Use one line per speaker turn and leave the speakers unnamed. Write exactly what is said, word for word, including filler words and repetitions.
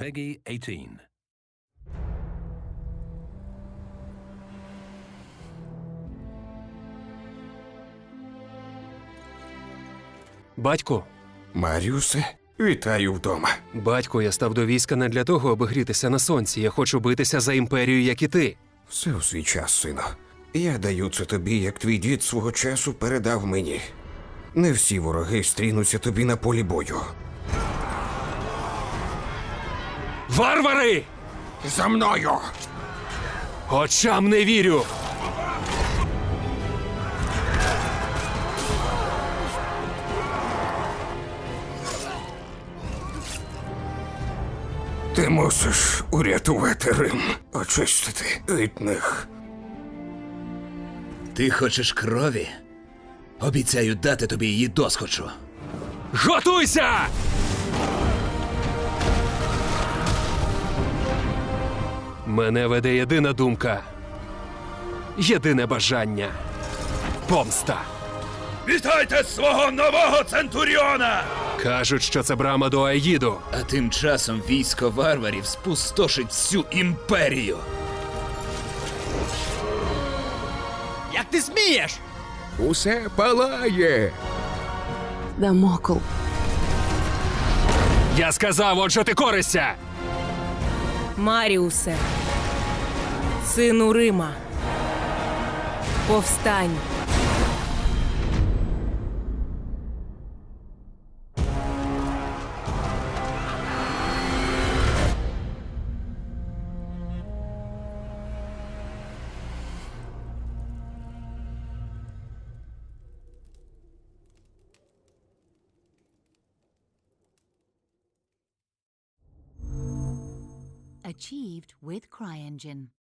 Peggy eighteen.
Батьку,
Маріусе, вітаю вдома.
батьку, я став до війська не для того, аби грітися на сонці. Я хочу битися за імперію, як і ти.
Все у свій час, сину. Я даю це тобі, як твій дід свого часу передав мені. Не всі вороги стрінуться тобі на полі бою.
Варвари!
За мною!
Очам не вірю!
Ти мусиш урятувати Рим, очистити від них.
Ти хочеш крові? Обіцяю дати тобі її досхочу.
Готуйся! Мене веде єдина думка. Єдине бажання. Помста.
Вітайте свого нового центуріона!
Кажуть, що це брама до Аїду.
А тим часом військо варварів спустошить всю імперію.
Як ти смієш?
Усе палає!
Дамокл.
Я сказав, отже ти корися!
Маріусе, сину Рима, повстань.
Achieved with CryEngine.